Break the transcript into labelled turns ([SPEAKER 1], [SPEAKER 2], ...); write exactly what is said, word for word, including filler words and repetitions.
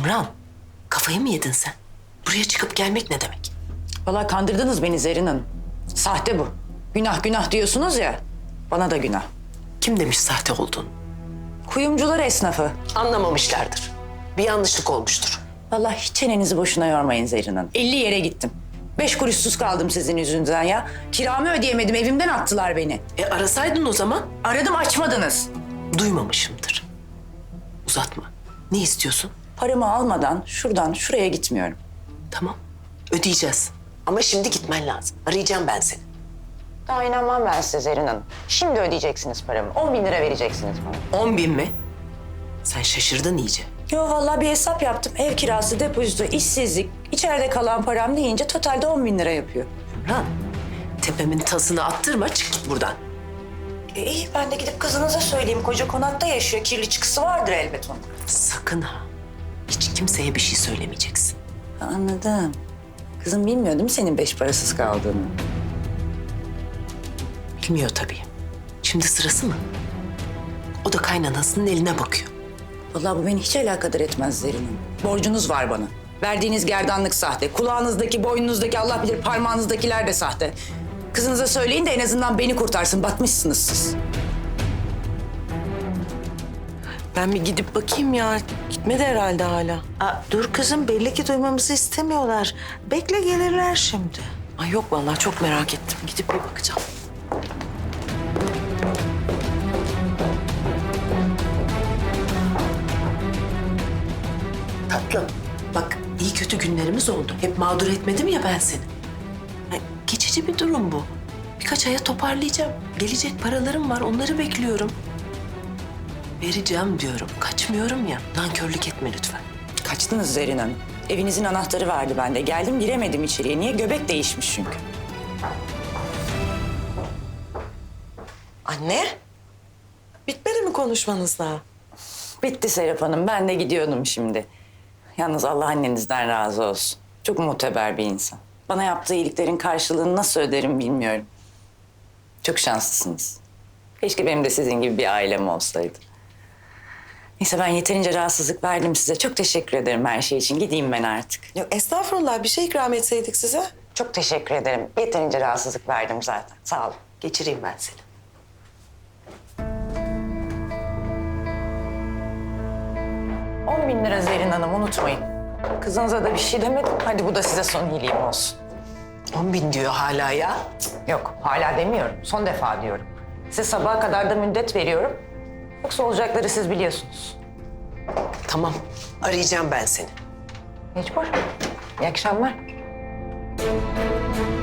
[SPEAKER 1] Ümran, kafayı mı yedin sen? Buraya çıkıp gelmek ne demek?
[SPEAKER 2] Vallahi kandırdınız beni Zerrin Hanım. Sahte bu. Günah günah diyorsunuz ya. Bana da günah.
[SPEAKER 1] Kim demiş sahte olduğunu?
[SPEAKER 2] Kuyumcular esnafı.
[SPEAKER 1] Anlamamışlardır. Bir yanlışlık olmuştur.
[SPEAKER 2] Vallahi hiç çenenizi boşuna yormayın Zerrin Hanım. elli yere gittim. Beş kuruşsuz kaldım sizin yüzünüzden ya. Kiramı ödeyemedim, evimden attılar beni.
[SPEAKER 1] E arasaydın o zaman.
[SPEAKER 2] Aradım, açmadınız.
[SPEAKER 1] Duymamışımdır. Uzatma. Ne istiyorsun?
[SPEAKER 2] Paramı almadan şuradan şuraya gitmiyorum.
[SPEAKER 1] Tamam. Ödeyeceğiz. Ama şimdi gitmen lazım. Arayacağım ben seni.
[SPEAKER 2] Daha inanmam ben size Zerrin Hanım. Şimdi ödeyeceksiniz paramı. On bin lira vereceksiniz bana.
[SPEAKER 1] On bin mi? Sen şaşırdın iyice.
[SPEAKER 2] Yo vallahi bir hesap yaptım. Ev kirası, depozito, işsizlik, içeride kalan param deyince totalde on bin lira yapıyor.
[SPEAKER 1] Ümran, tepemin tasını attırma, çık git buradan.
[SPEAKER 2] E, iyi ben de gidip kızınıza söyleyeyim. Koca konakta yaşıyor. Kirli çıkısı vardır elbet onun.
[SPEAKER 1] Sakın ha. Hiç kimseye bir şey söylemeyeceksin.
[SPEAKER 2] Ha, anladım. Kızım bilmiyor değil mi senin beş parasız kaldığını?
[SPEAKER 1] Bilmiyor tabii. Şimdi sırası mı? O da kaynanasının eline bakıyor.
[SPEAKER 2] Vallahi bu beni hiç alakadar etmez Zerrin Hanım. Borcunuz var bana. Verdiğiniz gerdanlık sahte. Kulağınızdaki, boynunuzdaki, Allah bilir parmağınızdakiler de sahte. Kızınıza söyleyin de en azından beni kurtarsın. Batmışsınız siz.
[SPEAKER 1] Ben bir gidip bakayım ya. Gitmedi herhalde hala.
[SPEAKER 3] Aa, dur kızım, belli ki duymamızı istemiyorlar. Bekle, gelirler şimdi.
[SPEAKER 1] Ay yok vallahi çok merak ettim. Gidip bir bakacağım. Tatlım, bak iyi kötü günlerimiz oldu. Hep mağdur etmedim ya ben seni. Ay, geçici bir durum bu. Birkaç aya toparlayacağım. Gelecek paralarım var, onları bekliyorum. Vereceğim diyorum, kaçmıyorum ya. Nankörlük etme lütfen.
[SPEAKER 2] Kaçtınız Zerrin Hanım. Evinizin anahtarı vardı bende. Geldim giremedim içeriye. Niye? Göbek değişmiş çünkü.
[SPEAKER 3] Anne, bitmedi mi konuşmanız daha?
[SPEAKER 2] Bitti Serap Hanım. Ben de gidiyordum şimdi. Yalnız Allah annenizden razı olsun. Çok muteber bir insan. Bana yaptığı iyiliklerin karşılığını nasıl öderim bilmiyorum. Çok şanslısınız. Keşke benim de sizin gibi bir ailem olsaydı. Neyse ben yeterince rahatsızlık verdim size. Çok teşekkür ederim her şey için. Gideyim ben artık.
[SPEAKER 3] Yok estağfurullah, bir şey ikram etseydik size.
[SPEAKER 2] Çok teşekkür ederim. Yeterince rahatsızlık verdim zaten. Sağ olun.
[SPEAKER 1] Geçireyim ben seni.
[SPEAKER 2] On bin lira Zerrin Hanım, unutmayın. Kızınıza da bir şey demedim. Hadi bu da size son iyiliğim olsun.
[SPEAKER 1] On bin diyor hala ya.
[SPEAKER 2] Yok, hala demiyorum. Son defa diyorum. Size sabaha kadar da müddet veriyorum. Yoksa olacakları siz biliyorsunuz.
[SPEAKER 1] Tamam, arayacağım ben seni.
[SPEAKER 2] Mecbur. İyi akşamlar.